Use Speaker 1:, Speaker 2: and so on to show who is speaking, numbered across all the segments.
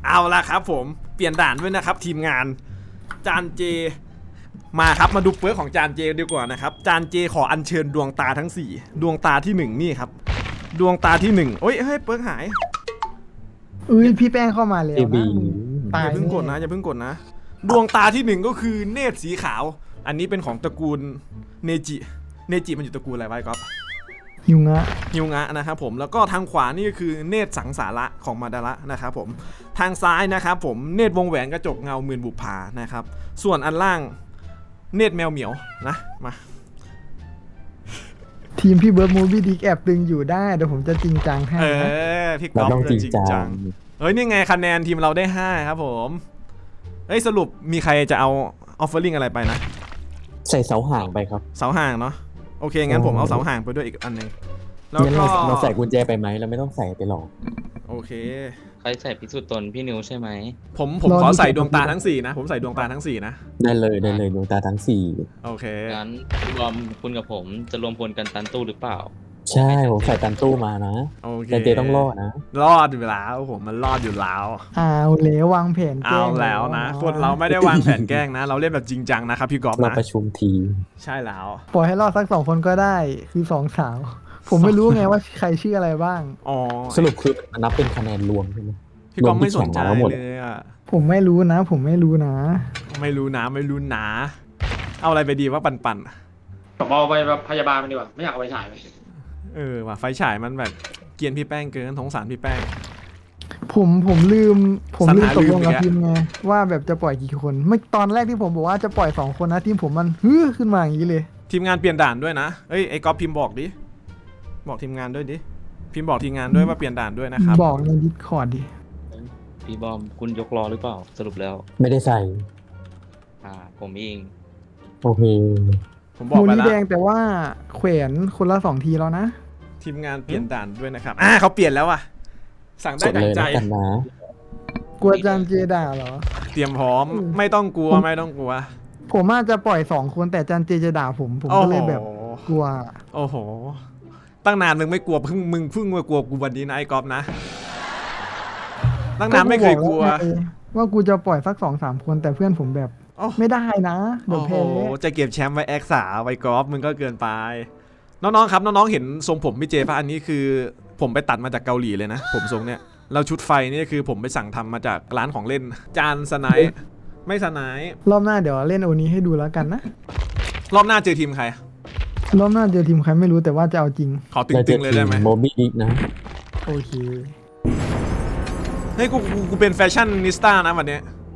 Speaker 1: เอาละครับผมเปลี่ยนด่านด้วยนะครับทีมงานจานเจมาครับมาดูเปิร์กของจานเจดีกว่านะครับจานเจขออัญเชิญดวงตาทั้ง4ดวงตาที่1นี่ครับดวงตาที่1โอ้ยเฮ้ยเปิร์กหาย
Speaker 2: พี่แป้งเข้ามาแล้วนะตา
Speaker 1: อย่าเพิ่งกดนะอย่าเพิ่งกดนะดวงตาที่1ก็คือเนตรสีขาวอันนี้เป็นของตระกูลเนจิมันอยู่ตระกูลอะไรไว้ก๊อฟ
Speaker 2: ฮิวงะ
Speaker 1: นะครับผมแล้วก็ทางขวานี่ก็คือเนตรสังสาระของมาดาระนะครับผมทางซ้ายนะครับผมเนตรวงแหวนกระจกเงาหมื่นบุปผานะครับส่วนอันล่างเนตรแมวเหมียวนะมา
Speaker 2: ทีมพี่เบิร์ดมูฟี่ดิกแอบตึงอยู่ได้เดี๋ยวผมจะจริงจังให้นะ
Speaker 1: พี่ก๊อฟจะจริงจังเฮ้ยนี่ไงคะแนนทีมเราได้5ครับผมเฮ้ยสรุปมีใครจะเอาออฟเฟอร์ลิงอะไรไปนะ
Speaker 3: ใส่เสาห่างไปครับ
Speaker 1: เสาห่างเนาะโอเคงั้นผมเอาเสาห่างไปด้วยอีกอันนึง
Speaker 3: แล้วก็เราใส่กุญแจไปไหมเราไม่ต้องใส่ไปหรอก
Speaker 1: โอเค
Speaker 4: ใครใส่พิสูจน์ตนพี่นิวใช่ไหม
Speaker 1: ผมขอใส่ดวงตาทั้ง4นะผมใส่ดวงตาทั้ง4นะ
Speaker 3: ได้เลยดวงตาทั้ง4
Speaker 1: โอเค
Speaker 4: งั้นรวมคุณกับผมจะรวมพลกันตันตู้หรือเปล่า
Speaker 3: ใช่ผมใส่ตันตู้มานะ
Speaker 1: โอเค
Speaker 3: แต่เจต้องรอดนะ
Speaker 1: รอดอยู่แล้วผมมันรอดอยู่แล้ว
Speaker 2: เอาแล้ววางแผนแกล้ง
Speaker 1: เอาแล้วนะคนเราไม่ได้วางแผนแกล้งนะเราเล่นแบบจริงจังนะครับพี่ก๊อฟนะ
Speaker 3: เราประชุมทีม
Speaker 1: ใช่แล้ว
Speaker 2: ปล่อยให้รอดสัก2 คนก็ได้คือ2 สาวผมไม่รู้ไงว่าใครชื่ออะไรบ้าง
Speaker 1: อ๋อ
Speaker 3: สรุปคือนับเป็นคะแนนรวมใช่ไหม
Speaker 1: พี่ก๊อฟไม่สนใจเลยอ่ะ
Speaker 2: ผมไม่รู้นะ
Speaker 1: ไม่รู้นะเอาอะไรไปดีว่าปั่น
Speaker 5: ผมเอาไปแบบพยาบาลมันดีกว่าไม่อยากเอาไปฉายเลย
Speaker 1: ว่ะไฟฉายมันแบบเกรียนพี่แป้งเกินสงสารพี่แป้ง
Speaker 2: ผมลืมตกลงกับทีมไงว่าแบบจะปล่อยกี่คนเมื่อตอนแรกที่ผมบอกว่าจะปล่อย2 คนนะทีมผมมันขึ้นมาอย่างนี้เลย
Speaker 1: ทีมงานเปลี่ยนด่านด้วยนะเอ้ยไอ้ก๊อฟพิมพ์บอกดิบอกทีมงานด้วยดิพิมพ์บอกทีมงานด้วยว่าเปลี่ยนด่านด้วยนะครับ
Speaker 2: บอกใน Discord ดิ
Speaker 4: พี่บอมคุณยกล้อหรือเปล่าสรุปแล้ว
Speaker 3: ไม่ได้ใส่
Speaker 4: ผมเอง
Speaker 3: โอเค
Speaker 1: ผมบอกไปแล้ว
Speaker 2: แดงแต่ว่าแขวนคนละ2 ทีแล้วนะ
Speaker 1: ทีมงานเปลี่ยนด่านด้วยนะครับเขาเปลี่ยนแล้วอ่ะสั่งได้ดังใจ
Speaker 2: กลัวจานเจด่าเหรอ
Speaker 1: เตรียมพร้อมไม่ต้องกลัว
Speaker 2: ผมอาจจะปล่อย2 คนแต่จานเจจะด่าผมก็เลยแบบกลัว
Speaker 1: โอ้โหตั้งนานมึงไม่กลัวเพิ่งมากลัวกูวันนี้นะไอ้ก๊อฟนะตั้งนานไม่เคยกลัว
Speaker 2: ว่ากูจะปล่อยสัก2-3 คนแต่เพื่อนผมแบบไม่ได้นะเดี๋ยวแพ้
Speaker 1: จะเก็บแชมป์ไว้แอคสาไว้กอล์ฟมึงก็เกินไปน้องๆครับน้องๆเห็นทรงผมพี่เจป่ะอันนี้คือผมไปตัดมาจากเกาหลีเลยนะผมทรงเนี้ยเราชุดไฟนี่คือผมไปสั่งทำมาจากร้านของเล่นจานสไนป์ไม่สไนป์
Speaker 2: รอบหน้าเดี๋ยวเล่นโอนี้ให้ดูแล้วกันนะ
Speaker 1: รอบหน้าเจอทีมใคร
Speaker 2: รอบหน้าเจอทีมใครไม่รู้แต่ว่าจะเอาจริง
Speaker 1: ขอตึงๆเลยได้ไหม
Speaker 3: โมบี้ดิกนะ
Speaker 2: โอเค
Speaker 1: เฮ้ยกูเป็นแฟชั่นนิสต้านะวันนี้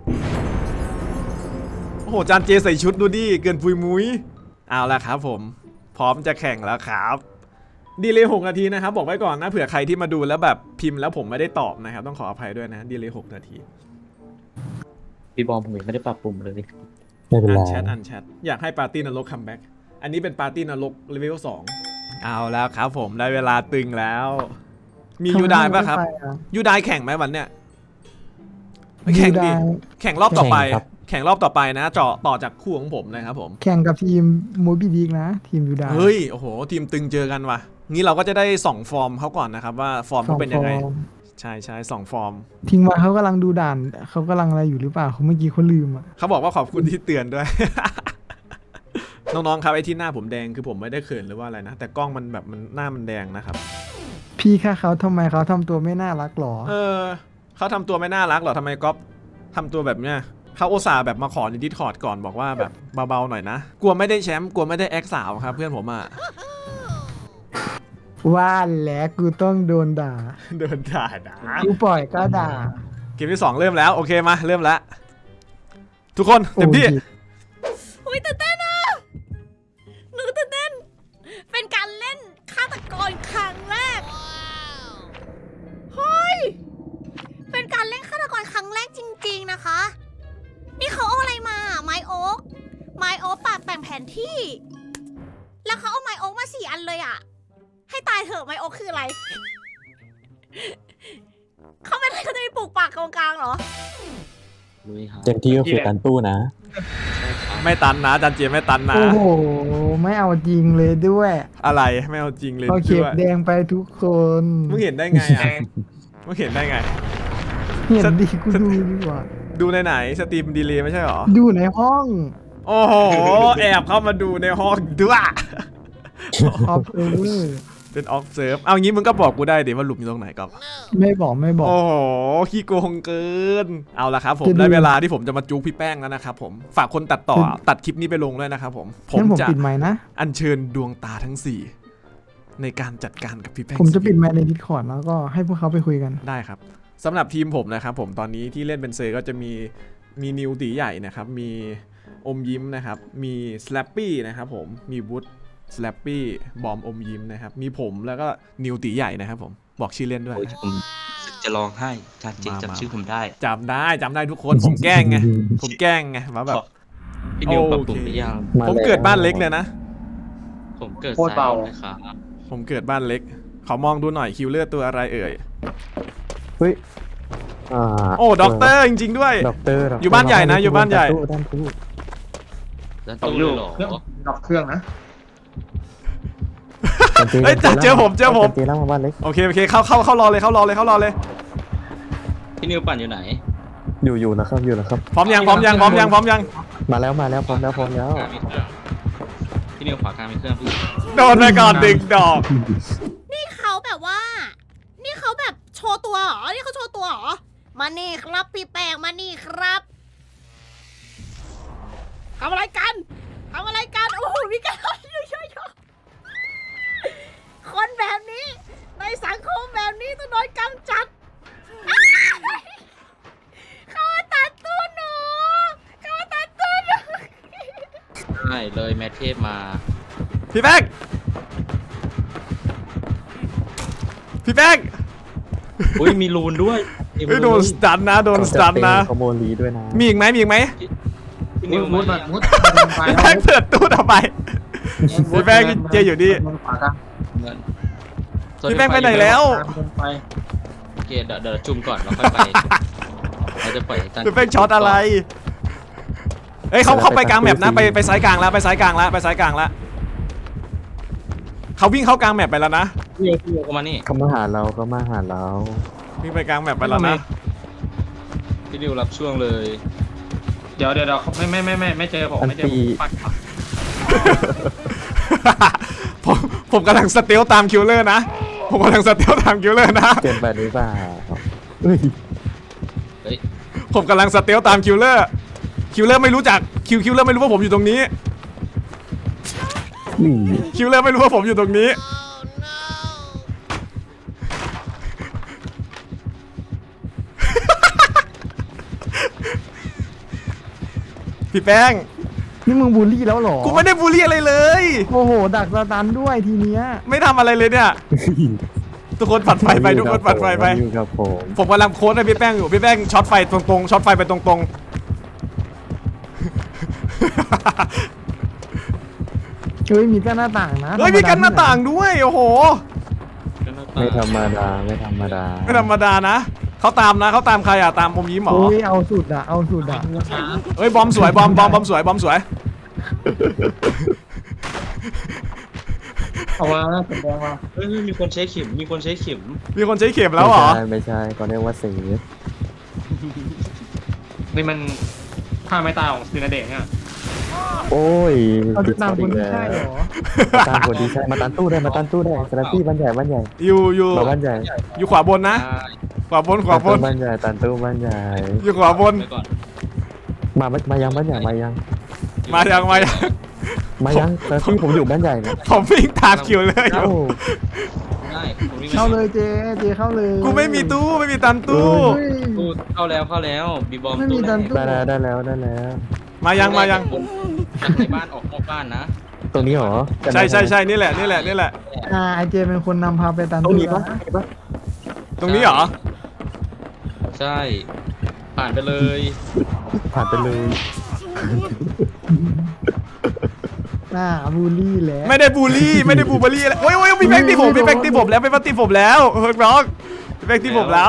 Speaker 1: โอ้โหจานเจใส่ชุดดูดิเกินปุยมุ้ยเอาละครับผมพร้อมจะแข่งแล้วครับดีเลย์6 นาทีนะครับบอกไว้ก่อนนะเผื่อใครที่มาดูแล้วแบบพิมพ์แล้วผมไม่ได้ตอบนะครับต้องขออภัยด้วยนะดีเลย์6 นาที
Speaker 4: พี่บอมผมไม่ได้ปรับปรุงเลย
Speaker 3: ไม่เป็นไร
Speaker 1: อันแชทอยากให้ปาร์ตี้นรกคัมแบ็กอันนี้เป็นปาร์ตี้นรกเลเวล2เอาแล้วครับผมได้เวลาตึงแล้วมียูไดป่ะครับยูไดแข่งไหมวันเนี้ยแข่งดิแข่งรอบต่อไปนะเจาะต่อจากคู่ของผมนะครับผม
Speaker 2: แข่งกับทีมโมบิดิกนะทีมยูได
Speaker 1: เฮ้ยโอ้โหทีมตึงเจอกันว่ะงี้เราก็จะได้ส่องฟอร์มเขาก่อนนะครับว่าฟอร์มเขาเป็นยังไงใช่ส่องฟอร์ม
Speaker 2: ทิ้งมาเขากำลังดูด่านเขากำลังอะไรอยู่หรือเปล่าเขาเมื่อกี้เขาลืมอ่ะ
Speaker 1: เขาบอกว่าขอบคุณที่เตือนด้วย น้องๆครับไอ้ที่หน้าผมแดงคือผมไม่ได้เขินหรือว่าอะไรนะแต่กล้องมันแบบมันหน้ามันแดงนะครับ
Speaker 2: พี่ค่ะเขาทำไมเขาทำตัวไม่น่ารักหรอ
Speaker 1: เขาทำตัวไม่น่ารักหรอทำไมก๊อฟทำตัวแบบเนี้ยเขาอุตส่าห์แบบมาขอในดิสคอร์ดก่อนบอกว่าแบบเบาๆหน่อยนะกลัวไม่ได้แชมป์กลัวไม่ได้แอคสาวครับเพื่อนผม
Speaker 2: ว่าแล้วกูต้องโดนด่ากูปล่อยก็ด่า
Speaker 1: เกมที่2เริ่มแล้วโอเคมาเริ่มแล้วทุกคนเต็มที่
Speaker 6: อุ้ยตื่นเต้นอ่ะหนูตื่นเต้นเป็นการเล่นฆาตกรครั้งแรกเฮ้ยเป็นการเล่นฆาตกรครั้งแรกจริงๆนะคะนี่เขาเอาอะไรมาไม้โอ๊กปาดแต่งแผนที่แล้วเขาเอาไม้โอ๊กมา4 อันเลยอ่ะให้ตายเถอะไม้โอ๊กคืออะไรเขาไม่ได้เขาจะมีปลูกป่ากกลางเหรอ
Speaker 3: เต็มที่ก็คือตันตู้นะ
Speaker 1: ไม่ตันนะจันเจไม่ตันนะ
Speaker 2: โอ้โหไม่เอาจริงเลยด้วย
Speaker 1: อะไรไม่เอาจริงเลย
Speaker 2: เอาเข็บแดงไปทุกคน
Speaker 1: มึงเห็นได้ไงอ่ะมึงเห็นได้ไง
Speaker 2: เห็นดิกูดูดีกว่า
Speaker 1: ดูในไหนสตรีมดีเลย์ไม่ใช่หรอ
Speaker 2: ดูในห้อง
Speaker 1: โอ้โห แอบเข้ามาดูในห้องด้วย
Speaker 2: ออฟเออร์
Speaker 1: เป็นออฟเซิร์ฟเอางี้มึงก็บอกกูได้ดิว่าหลุมอยู่ตรงไหนก็
Speaker 2: ไม่บอกไม่บอก
Speaker 1: โอ้โหขี้โกงเกิน เอาละครับผม
Speaker 2: จะดู
Speaker 1: ได้เวลาที่ผมจะมาจู๊พี่แป้งแล้วนะครับผมฝากคนตัดต่อตัดคลิปนี้ไปลงด้วยนะครับผมผม
Speaker 2: งั้นผม
Speaker 1: จะ
Speaker 2: ปิดไมค์นะ
Speaker 1: อัญเชิญดวงตาทั้ง 4 ในการจัดการกับพี่แป้ง
Speaker 2: ผมจะปิดไมค์ในดิสคอร์ดแล้วก็ให้พวกเขาไปคุยกัน
Speaker 1: ได้ครับสำหรับทีมผมนะครับผมตอนนี้ที่เล่นเป็นเซอร์ก็จะมีนิวตีใหญ่นะครับมีอมยิ้มนะครับมีสแลปปี้นะครับผมมีวุฒสแลปปี้บอมอมยิ้มนะครับมีผมแล้วก็นิวตีใหญ่นะครับผมบอกชื่อเล่นด้วย
Speaker 4: โอ้ยผมจะร้องไห้จานเจจำชื่อผมได้
Speaker 1: จำได้ทุกคน ผมแกล้งไงผมแกล้งไงว่าแบบ
Speaker 4: พี่นิว
Speaker 1: โอเค
Speaker 4: ปรับปรุงหรือยัง
Speaker 1: ผมเกิดบ้านเล็กเลยนะ
Speaker 4: ผมเกิด
Speaker 5: โคตรเบา
Speaker 4: ซ้ยนะครับ
Speaker 1: ผมเกิดบ้านเล็กขอมองดูหน่อยคิวเลอร์ตัวอะไรเอ่ย
Speaker 3: เฮ้ยอ่า
Speaker 1: โอ้ด็อกเตอร์จริงๆด้วย
Speaker 3: ด็อกเตอร์
Speaker 1: อยู่บ้านใหญ่นะอยู่บ้านใหญ่
Speaker 3: ด้านตู้
Speaker 4: แล้ว
Speaker 5: ต้อง
Speaker 4: ตู้
Speaker 5: ดู
Speaker 4: เลยเหรอ
Speaker 5: เครื่องดับเครื่องนะ
Speaker 1: เฮ้ยเจอผม
Speaker 3: เจล่างมาบ้านเล็ก
Speaker 1: โอเคเข้ารอเลยเข้ารอเลย
Speaker 4: พี่นิวปั่นอยู่ไหน
Speaker 3: อยู่นะครับ
Speaker 1: พร้อมยัง
Speaker 3: มาแล้วพร้อมแล้ว
Speaker 4: พี่นิวขวากลางมีเครื่องพี่
Speaker 1: โดนไปก่อนดึงดอก
Speaker 6: นี่เขาแบบว่า นี่เขาแบบโชว์ตัวเหรอ นี่เขาโชว์ตัวเหรอ มานี่ครับพี่แป้งมานี่ครับทำอะไรกัน โอ้โหมีการช่วยคนแบบนี้ ในสังคมแบบนี้ต้องโดนกำจัดอ้ายเขามาตัดตู้หนูเขามาตัดตู้หนู
Speaker 4: ใช่เลยแมทเทพมา
Speaker 1: พี่แป้ง
Speaker 4: อุ้ยมีรูนด้วย
Speaker 1: เฮ้ยโดนสตันนะ
Speaker 3: ขโมยลีด้วยนะ
Speaker 1: มีอีกไหม
Speaker 4: พี่นิว
Speaker 5: มุด
Speaker 4: มา
Speaker 5: มุด
Speaker 1: พี่แป้งเปิดตู้ทำไม พี่แป้งเจอยู่นี่
Speaker 5: ขวากลาง
Speaker 4: เงิน
Speaker 1: พี่แป้งไปไหนแล้ว
Speaker 5: ไป
Speaker 4: โอเคเดี๋ยวจุ่มก่อนแล้วค่อยไปเราจะปล่อยให้จาน
Speaker 1: พี่แป้งช็อตอะไรเฮ้ยเขาไปกลางแมปนะไปซ้ายกลางแล้วเขาวิ่งเข้ากลางแมปไปแล้วนะ
Speaker 4: พี่นิวเข้ามานี่
Speaker 3: เขามาหาเรา
Speaker 1: วิ่งไปกลางแมปไปแล้วนะ
Speaker 4: พี่นิวรับช่วงเลย
Speaker 5: เดี๋ยวไม่เจอผมไม่เจอผมปัด
Speaker 1: ผมกำลังสเตลตามคิวเลอร์นะ
Speaker 3: เกินไปหรือเปล่าเฮ้ย
Speaker 4: เฮ้ย
Speaker 1: ผมกำลังสเตลตามคิวเลอร์ไม่รู้จักคิวเลอร์ไม่รู้ว่าผมอยู่ตรงนี้
Speaker 3: นี่
Speaker 1: คิวเลอร์ไม่รู้ว่าผมอยู่ตรงนี้ พี่แป้ง
Speaker 2: นี่มึงบูลลี่แล้วเหรอ
Speaker 1: กูไม่ได้บูลลี่อะไรเลย
Speaker 2: โอ้โห ดักสตันด้วยทีเนี้ย
Speaker 1: ไม่ทำอะไรเลยเนี่ย ทุกคนปัดไฟไปทุกคนปัดไฟไป
Speaker 3: อยู่กับผม
Speaker 1: ผมกำลังโค้ดให้พี่แป้งอยู่พี่แป้งช็อตไฟตรงๆช็อตไฟไปตรง
Speaker 2: เฮ้ยมีกั้นหน้าต่างนะ
Speaker 1: ๆเฮ้ยมีกันหน้าต่างด้วยโอ้โห
Speaker 3: ไม่ธรรมดา
Speaker 1: ไม่ธรรมดานะเขาตามใครอ่ะตามอมยิ้มเหรอ
Speaker 2: โอ้ยเอาสุดอะ
Speaker 1: เฮ้ยบอมสวยบอมสวย
Speaker 5: เอามาเป็นแดงมา
Speaker 4: เฮ้ยมีคนใช้เข็ม
Speaker 1: มีคนใช้เข็มแล้วเหรอ
Speaker 3: ไม่ใช่เขาเรียกว่าเซฟ
Speaker 5: นี่มันฆ่าไม่ตายของซีนาเดชเนี่ย
Speaker 3: โอ้ย
Speaker 2: เอาจะตามคนที่ใช่เหรอ
Speaker 3: ตามคนที่ใช่มาตันตู้ได้สลับที่บ้านใหญ่
Speaker 1: อยู่
Speaker 3: มาบ้านใหญ่
Speaker 1: อยู่ขวาบนนะขวาบน
Speaker 3: บ้านใหญ่ตันตู้บ้านใหญ่
Speaker 1: อยู่ขวาบน
Speaker 4: ไปก่อน
Speaker 3: มายังบ้านใหญ่มายัง
Speaker 1: มายัง
Speaker 3: สลับที่ผมอยู่บ้านใหญ่นะ
Speaker 1: ผมวิ่งตามคิวเลยอ
Speaker 3: เอ้า
Speaker 1: ยู่
Speaker 4: ได้ผมวิ่ง
Speaker 2: เข้าเลยเจเข้าเลย
Speaker 1: กูไม่มีตู้ไม่มีตันตู้
Speaker 2: เฮ้ย
Speaker 4: ตู้เข้าแล้วบีบอม
Speaker 2: ไม่มีดันตู้
Speaker 3: ได้แล้ว
Speaker 1: มายัง
Speaker 4: จากในบ้านออกนอกบ้านนะ
Speaker 3: ตรงนี้เหรอ
Speaker 1: ใช่นี่แหละ
Speaker 2: ไอเจเป็นคนนำพาไปตัน
Speaker 3: ตรง
Speaker 2: ตู้
Speaker 3: นี้ปะ
Speaker 2: นะ
Speaker 1: ตรงนี้เหรอ
Speaker 4: ใช่ ผ่านไปเลย
Speaker 3: ผ่านไปเลย
Speaker 2: บูลลี่แล้ว
Speaker 1: ไม่ได้บูลลี่อะไรโอ้ยพี่แป้งตีผมแล้วพี่แป้งตีผมแล้วเฮ้ยน้องพี่แป้งตีผมแล้ว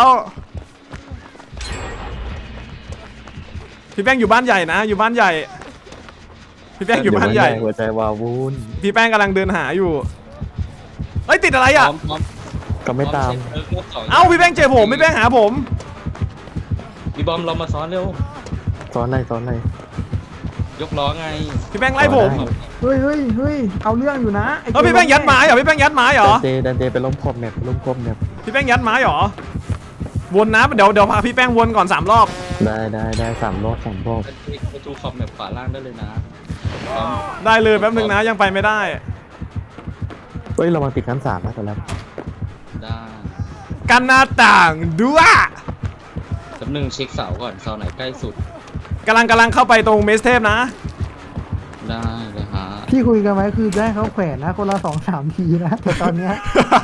Speaker 1: พี่แป้งอยู่บ้านใหญ่นะอยู่บ้านใหญ่ พี่แป้งอยู่บ้านใหญ่
Speaker 3: หัวใจวาวุ่น
Speaker 1: พี่แป้งกำลังเดินหาอยู่เฮ้ยติดอะไรอ่ะ
Speaker 3: ก็ไม่ตาม
Speaker 1: เอ้าพี่แป้งเจอผมพี่แป้งหาผม
Speaker 4: พี่บอมเรามาซ้อนเร็ว
Speaker 3: ซ้อนอะไร
Speaker 4: ยกล้อไง
Speaker 1: พี่แป้งไล่ผม
Speaker 2: เฮ้ยเอาเรื่องอยู่นะไอ้
Speaker 1: เออพี่แป้งยัดไม้เหรอพี่แป้งยัดไม้เหรอ
Speaker 3: ดันเจไปล้มครบแมปล้มครบแมป
Speaker 1: พี่แป้งยัดไม้เหรอวนนะเดี๋ยวพาพี่แป้งวนก่อน3 รอบ
Speaker 3: ได้3 รอบ
Speaker 4: ไปทูขอบแบบขวาล่างได้เลยนะพร้อม
Speaker 1: ได้เลยแป๊บนึงนะยังไปไม่ได้
Speaker 3: เฮ้ยเรามาติดขั้น3นะแต่แล้ว
Speaker 4: ได้
Speaker 1: กันหน้าต่างด้วย
Speaker 4: แป๊บนึงเช็คเสาก่อนเสาไหนใกล้สุด
Speaker 1: กำลังเข้าไปตรงเมสเทพนะ
Speaker 4: ได้เลยฮะ
Speaker 2: ที่คุยกันไว้คือจะให้เขาแขวนนะคนละ2-3 ทีนะแต่ตอนเนี้ย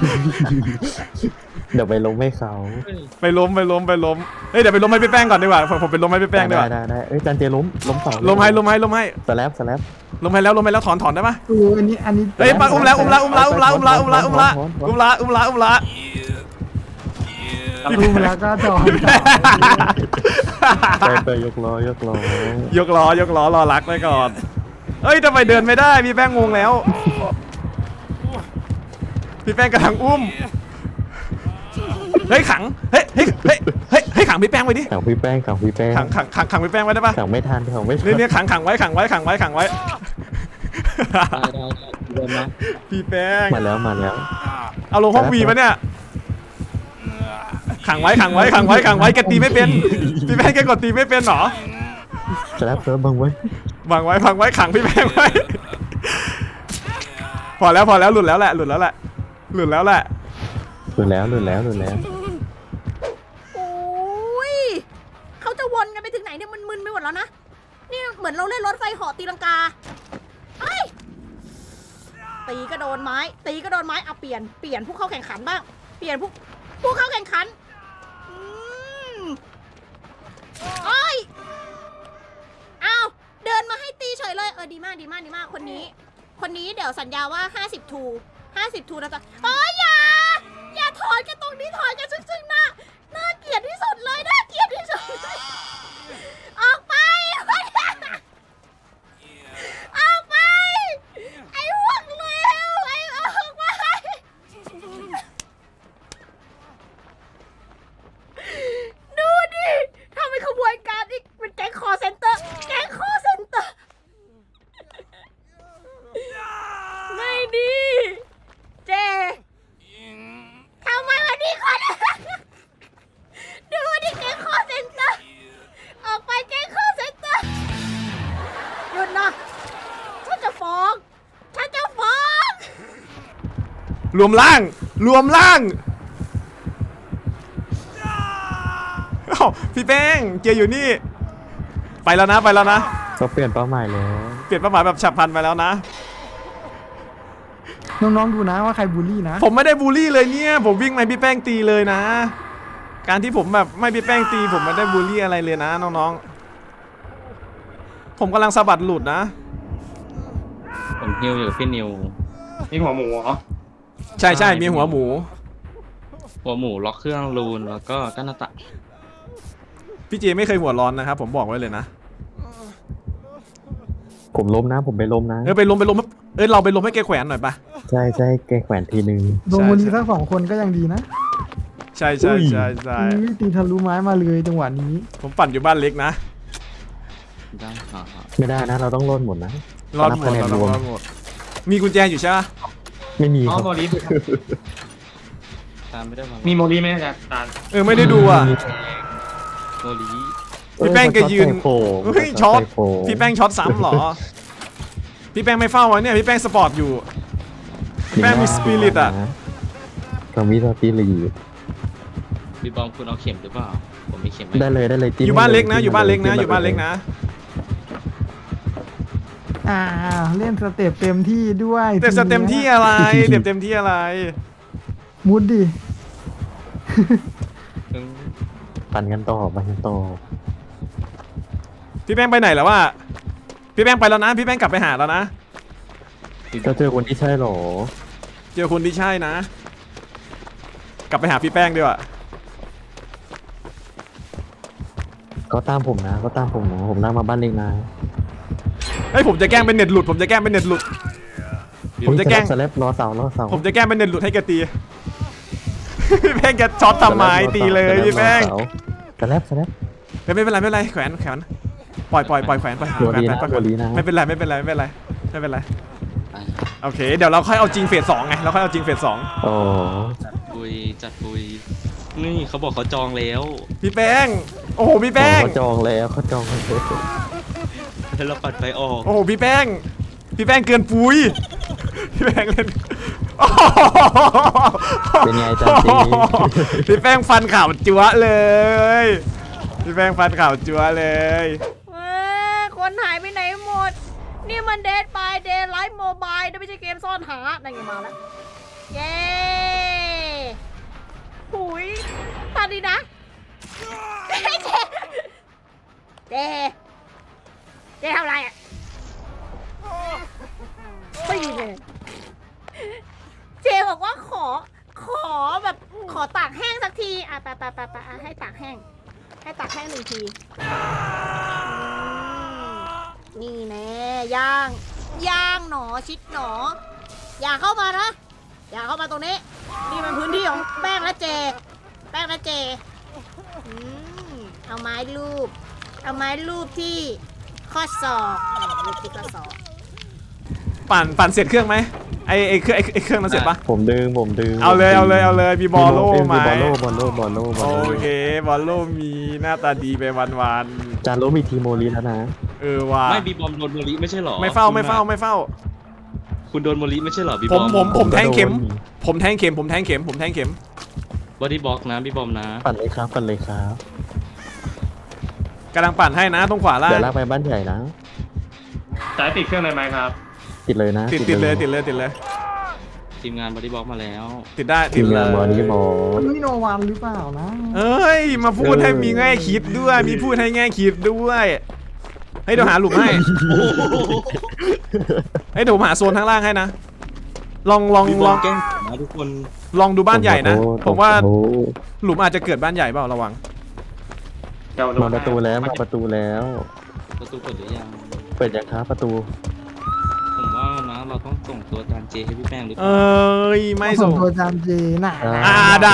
Speaker 3: เดี๋ยวไปล้มให้เขา
Speaker 1: ไปล้มเฮ้ยเดี๋ยวไปล้มให้พี่แป้งก่อนดีกว่าผมไปล้มให้พี่แป้งดีกว่า
Speaker 3: ได้เอ้ยดันเจล้มเสา
Speaker 1: ล้มให้
Speaker 3: สแลบ
Speaker 1: ล้มให้แล้วถอนได้ปะ
Speaker 2: อันนี้
Speaker 1: เฮ้ยปังอุ้มละ
Speaker 2: อุ้มแล้วก็จอด
Speaker 3: ไปยกล้อย
Speaker 1: กล้อรอรักไว้ก่อนเฮ้ยทำไมเดินไม่ได้พี่แป้งงงแล้ว พี่แป้งกำลังอุ้มเฮ้ยขังเฮ้ยขังพี่แป้งไว้ดิ
Speaker 3: ขังพี่แป้ง
Speaker 1: ขังพี่แป้งไว้ได้ปะ
Speaker 3: ขังไม่ทัน
Speaker 1: เนี่ยขังไว้
Speaker 4: ได้พี่บอมนะ
Speaker 1: พี่แป้ง
Speaker 3: มาแล้ว
Speaker 1: เอาลงห้องวีปะเนี่ยขังไว้แกตีไม่เป็นพี่แป้งแกกดตีไม่เป็นหรอ
Speaker 3: สแลบเซิร์ฟบังไว้
Speaker 1: วางไว้ขังพี่แป้งไว้พอแล้วหลุดแล้วแหละ
Speaker 3: หลุดแล้ว
Speaker 6: โอ้ยเขาจะวนกันไปถึงไหนเนี่ยมันมึนไปหมดแล้วนะนี่เหมือนเราเล่นรถไฟเหาะตีลังกาเอ้ยตีก็โดนไม้เอาเปลี่ยนผู้เข้าแข่งขันบ้างเปลี่ยนผู้เข้าแข่งขันโอ้ยอ้าวเดินมาให้ตีเฉยเลยดีมากคนนี้เดี๋ยวสัญญาว่า50 ทูนะจ๊ะอย่าถอนกันตรงนี้ถอนกันซึ่งหน้าเกลียดที่สุดเลยออกไปไอ้พวกเลวออกไปดูดิทำเป็นขบวนการอีกเป็นแก๊งคอเซ็นเตอร์ไม่ดีเจทำไมวันนี้คนดูดิแก๊งคอเซ็นเตอร์ออกไปแก๊งคอเซ็นเตอร์หยุดนะฉันจะฟ้อง
Speaker 1: รวมล่างเอ้าพี่แป้งเกียร์อยู่นี่ไปแล้วนะ
Speaker 3: เขาเปลี่ยนเป้าหมายแล้ว
Speaker 1: เปลี่ยนเป้าหมายแบบฉับพลันไปแล้วนะ
Speaker 2: น้องๆดูนะว่าใครบูลลี่นะ
Speaker 1: ผมไม่ได้บูลลี่เลยเนี่ยผมวิ่งมาพี่แป้งตีเลยนะ การที่ผมแบบไม่พี่แป้งตีผมไม่ได้บูลลี่อะไรเลยนะน้องๆผมกำลังสะบัดหลุดนะ
Speaker 4: ผมฮิวอยู่กับพี่นิว
Speaker 5: นี่หัวหมูเหรอ
Speaker 1: ใช่มีหัวหมู
Speaker 4: ล็อกเครื่องรูนแล้วก็กั้นหน้าต่าง
Speaker 1: พี่เจไม่เคยหัวร้อนนะครับผมบอกไว้เลยนะ
Speaker 3: ผมล้มนะ ผมไปล้มนะ
Speaker 1: ไปล้มเราไปล้มให้แกแขวนหน่อยปะ
Speaker 3: ใช่แกแขวนทีนึง
Speaker 2: ลงวันนี้ทั้ง2 คนก็ยังดีนะ
Speaker 1: ใช่
Speaker 2: ตีทะลุไม้มาเลยจังหวะนี้
Speaker 1: ผมปั่นอยู่บ้านเล็กนะ
Speaker 4: ได้ฮะ
Speaker 3: ไม่ได้นะ เราต้องรอดหมดนะ
Speaker 1: รอดหมด
Speaker 3: นับคะแนนรวม
Speaker 1: มีกุญแจอยู่ใช่ปะ
Speaker 3: ไม่มี
Speaker 5: อ๋อ
Speaker 3: ครับ
Speaker 5: โมลี
Speaker 4: ตามไม่ได้มา
Speaker 5: มีโมลีไหมอาจารย์
Speaker 1: ไม่ได้ดูอ่ะ
Speaker 4: โมลี
Speaker 1: พี่แป้งแกยืน
Speaker 3: เฮ้
Speaker 1: เฮ้ยช็อตพี่แป้งช็อตซ้ำเหรอ พี่แป้งไม่เฝ้าวะเนี่ยพี่แป้งสปอร์ตอยู่ แป้งมีสปิริตอะ
Speaker 3: ก็มีสปิริต
Speaker 4: พี่บอมคุณเอาเข็มหรือเปล่าผมมีเข็มไหม
Speaker 3: ได้เลย
Speaker 1: อยู่บ้านเล็กนะอยู่บ้านเล็กนะ
Speaker 2: เล่นสเต็ปเต็มที่ด้วย
Speaker 1: เต็มที่อะไรเต็มที่อะไร
Speaker 2: มุดดิ
Speaker 3: ปั่นกันต่อ
Speaker 1: พี่แป้งไปไหนแล้ววะพี่แป้งไปแล้วนะ พี่แป้งกลับไปหาแล้วนะ
Speaker 3: ก็เจอคนที่ใช่หรอ
Speaker 1: เจอคนที่ใช่นะ กลับไปหาพี่แป้งดีกว่า
Speaker 3: ก็ตามผมนะ ผมนั่งมาบ้านเล็กนะ
Speaker 1: เฮ้ยผมจะแกล้งเป็นเน็ตหลุด ผมจะแกล้งเป็นเน็ตหลุด ผมจะแกล้ง
Speaker 3: สแลบรอเสา
Speaker 1: ผมจะแกล้งเป็นเน็ตหลุดให้แกตี พี่แป้งแกช็อตทำไมตีเลยพี่แป้ง
Speaker 3: สแลบ
Speaker 1: ไม่เป็นไรไม่เป็นไรแขวนปล่อยแขวนปล่อย
Speaker 3: โด
Speaker 1: แขวน
Speaker 3: ลี
Speaker 1: ไป
Speaker 3: นะ
Speaker 1: ปล่อย
Speaker 3: โดลีนะ
Speaker 1: ไม่เป็นไรโอเคเดี๋ยวเราค่อยเอาจริงเฟส 2ไงเราค่อยเอาจริงเฟส 2
Speaker 3: โอ้
Speaker 4: จัดปุยนี่เขาบอกเขาจองแล้ว
Speaker 1: พี่แป้งโอ้โหพี่แป้ง
Speaker 3: เขาจองแล้วเขาจองแล้ว
Speaker 4: แล้วเราปัดไฟออก
Speaker 1: โอ้โหพี่แป้งเกินปุยพี่แป้งเล่นโอ้โห
Speaker 3: เป็นไงจันจี
Speaker 1: พี่แป้งฟันข่าวจั๊วเลยพี่แป้งฟันข่าวจั๊วเลย
Speaker 6: คนหายไปไหนหมด นี่มันเดทบายเดย์ไลฟ์โมบายนะไม่ใช่เกมซ่อนหานั่นไงมาแล้ว เย้หุยตอนนี้นะเจทำอะไรอ่ะปีเลยเจบอกว่าขอแบบขอตากแห้งสักทีอ่ะไปให้ตากแห้ง 1 ทีนี่แน่ย่างหนอชิดหนอ อย่าเข้ามานะ อย่าเข้ามาตรงนี้ นี่มันพื้นที่ของแป้งและเจเอาไม้รูปที่ข้อศอกรูปที่ข้อศอก
Speaker 1: ปั่นเสร็จเครื่องไหมไอเครื่องนั้นเสร็จปะ
Speaker 3: ผมดึง
Speaker 1: เอาเลยมีบอลโล่ไหม
Speaker 3: บอลโล่
Speaker 1: โอเคบอลโล่มีหน้าตาดีไปวัน
Speaker 3: จานโลมีทีโมลีแล้วนะ
Speaker 1: ว่ะ
Speaker 4: ไม่บีบอมโดนโมลิไม่ใช่หรอ
Speaker 1: ไม่เฝ้า
Speaker 4: คุณโดนโมลิไม่ใช่หรอบีบ
Speaker 1: ผ
Speaker 4: อ
Speaker 1: ม
Speaker 4: ม
Speaker 1: ผมแทงเข็ม
Speaker 4: บอดี้บล็อกนะบีบอมนะ
Speaker 3: ปั่นเลยครับ
Speaker 1: กำลังปั่นให้นะตรงขวาล่าง
Speaker 3: เดี๋ยวลากไปบ้านใหญ่นะ
Speaker 5: จ่ายติดเครื่องเลยไหมครับ
Speaker 3: ติดเลยนะ
Speaker 1: ติดเลย
Speaker 4: ทีมงานบอดี้บล็อกมาแล้ว
Speaker 1: ติดได้
Speaker 3: ทีมงานบอลนี้บอล
Speaker 2: นี่โนวันหรือเปล่านะ
Speaker 1: เอ้ยมาพูดให้มีแง่คิดด้วยมีพูดให้แง่คิดด้วยให้เดี๋ยวหาหลุมให้ให้เดี๋ยวหาโซนข้างล่างให้นะลอง
Speaker 4: บีบอมแกล้งนะทุกคน
Speaker 1: ลองดูบ้านใหญ่นะผมว่า
Speaker 3: โอ้
Speaker 1: หลุมอาจจะเกิดบ้านใหญ่เปล่าระวัง
Speaker 3: มาประตูแล้ว
Speaker 4: ประตูเปิดหรือยัง
Speaker 3: เปิดยังครับประตู
Speaker 4: ผมว่านะเราต้องส่งตัวจานเจให้พี่แป้งหรือเป
Speaker 1: เอ
Speaker 4: ล่า
Speaker 1: ้ยไม่ส่ง
Speaker 2: ตัวจานเจน่ะ
Speaker 1: ได้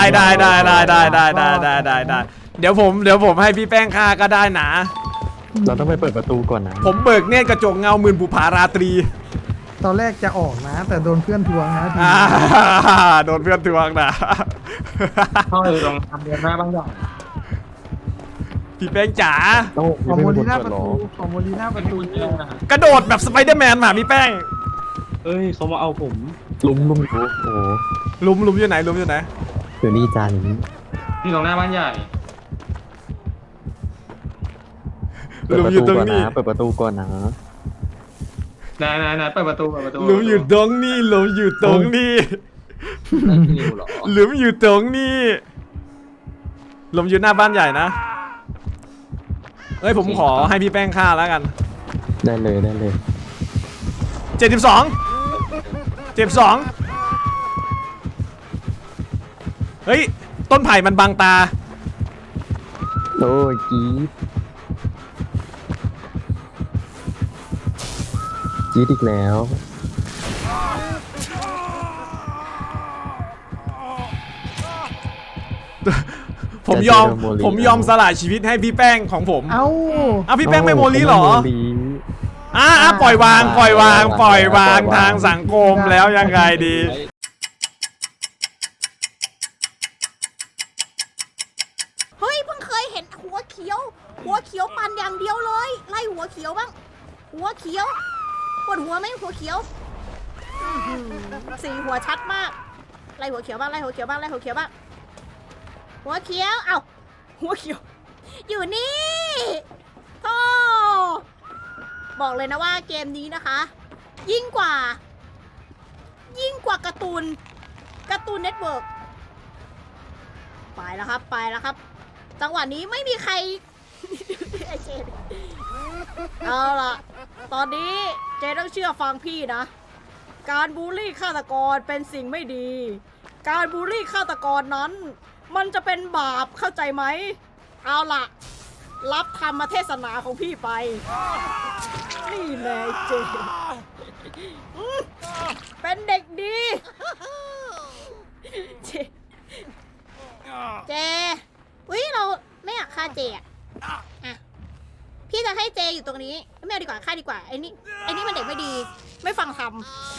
Speaker 1: เดี๋ยวผมให้พี่แป้งฆ่าก็ได้นะ
Speaker 3: เราต้องไปเปิดประตูก่อนนะ
Speaker 1: ผมเบิกเนตรกระจกเงาหมื่นบุภาราตรี
Speaker 2: ตอนแรกจะออกนะ แต่โดนเพื่อนทวงนะที
Speaker 1: โดนเพื่อนทวงนะ
Speaker 5: เข้าไปตรงทำเดือนหน้าบ้างอย่าง
Speaker 1: พี่แป้งจ๋า
Speaker 3: ต้อง
Speaker 2: ของโมลีหน้า
Speaker 3: เปิ
Speaker 2: ประ
Speaker 3: ดหร
Speaker 2: ตู
Speaker 3: อ
Speaker 2: ของโมลีหน้าประตู
Speaker 1: กระโดดแบบสไปเดอร์แมนมาพี่แป้ง
Speaker 4: เอ้ยเขามาเอาผม
Speaker 3: ลุมอยู่โอ้โห
Speaker 1: หลุมอยู่ไหน
Speaker 3: เดี๋ยวนี้จานนี้
Speaker 5: ที่ตรงหน้าบ้านใหญ่
Speaker 3: เปิดประตูก่อนนะเปิดประตูก่อนนะ
Speaker 5: นายเปิดประตู
Speaker 1: หลุมอยู่ตรงนี้
Speaker 4: นั่นพี่นิวเหรอ
Speaker 1: หลุมอยู่ตรงนี้หลุมอยู่หน้าบ้านใหญ่นะเอ้ยผมขอให้พี่แป้งฆ่าแล้วกัน
Speaker 3: ได้เลย
Speaker 1: 72 เฮ้ยต้นไผ่มันบังตา
Speaker 3: โอ้ยจี๊ดอีกแล้ว
Speaker 1: ผมยอมสละชีวิตให้พี่แป้งของผม
Speaker 2: เอ้า
Speaker 1: พี่แป้งไม่โมลีเหรอ
Speaker 3: ไม่โมลี
Speaker 1: ปล่อยวางทางสังคมแล้วยังไงดี
Speaker 6: เฮ้ยเพิ่งเคยเห็นหัวเขียวปั่นอย่างเดียวเลย ไล่หัวเขียวบ้าง หัวเขียวปวดหัวไหมหัวเขียวสีหัวชัดมาก ไล่หัวเขียวบ้าง หัวเขียว เอ้าหัวเขียว อยู่นี่โธ่บอกเลยนะว่าเกมนี้นะคะ ยิ่งกว่าการ์ตูนเน็ตเวิร์กไปแล้วครับ จังหวะนี้ไม่มีใคร ไอเจนเอาล่ะ ตอนนี้เจนต้องเชื่อฟังพี่นะ การบูลลี่ฆาตกรเป็นสิ่งไม่ดี การบูลลี่ฆาตกรนั้น มันจะเป็นบาปเข้าใจไหม เอาล่ะ รับธรรมเทศนาของพี่ไป นี่แน่เจเป็นเด็กดีเจอุ๊ยเราไม่อยากฆ่าเจอะอ่ะพี่จะให้เจอยู่ตรงนี้ไม่เอาดีกว่าฆ่าดีกว่าไอ้นี่มันเด็กไม่ดีไม่ฟังคำ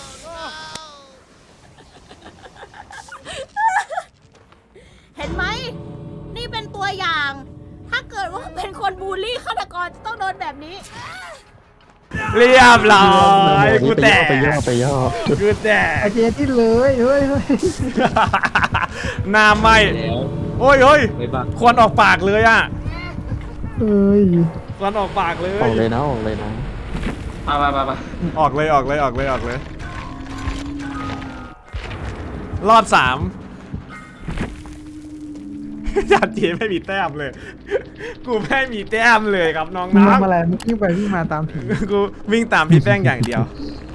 Speaker 6: เห็นไหมนี่เป็นตัวอย่าง ถ้าเกิดว่าเป็นคนบูลลี่ฆาตกรจะต้องโดนแบบนี้
Speaker 1: เรียบร้อยกูแตก
Speaker 3: ไปย่อ
Speaker 1: กูแตก
Speaker 2: ไอเจที่เลยเฮ้ย
Speaker 1: หน้าไหม
Speaker 4: แล้ว
Speaker 1: โอ้ยเฮ้ย
Speaker 4: ไม่บัก
Speaker 1: ควันออกปากเลยอ่ะ
Speaker 2: เฮ้ย
Speaker 1: ควันออกปากเลย
Speaker 3: ออกเลยนะออกเลยนะ
Speaker 5: ไปไปไปไป
Speaker 1: ออกเลยออกเลยออกเลยออกเลย รอบ3 จานจีไม่มีแต้มเลย กูไม่มีแต้มเลยครับน้อง
Speaker 2: มึง
Speaker 1: นะ
Speaker 2: ทำอะไรมึงวิ่งไปวิ่งมาตามผี
Speaker 1: กูวิ่งตามพี่แป้งอย่างเดียว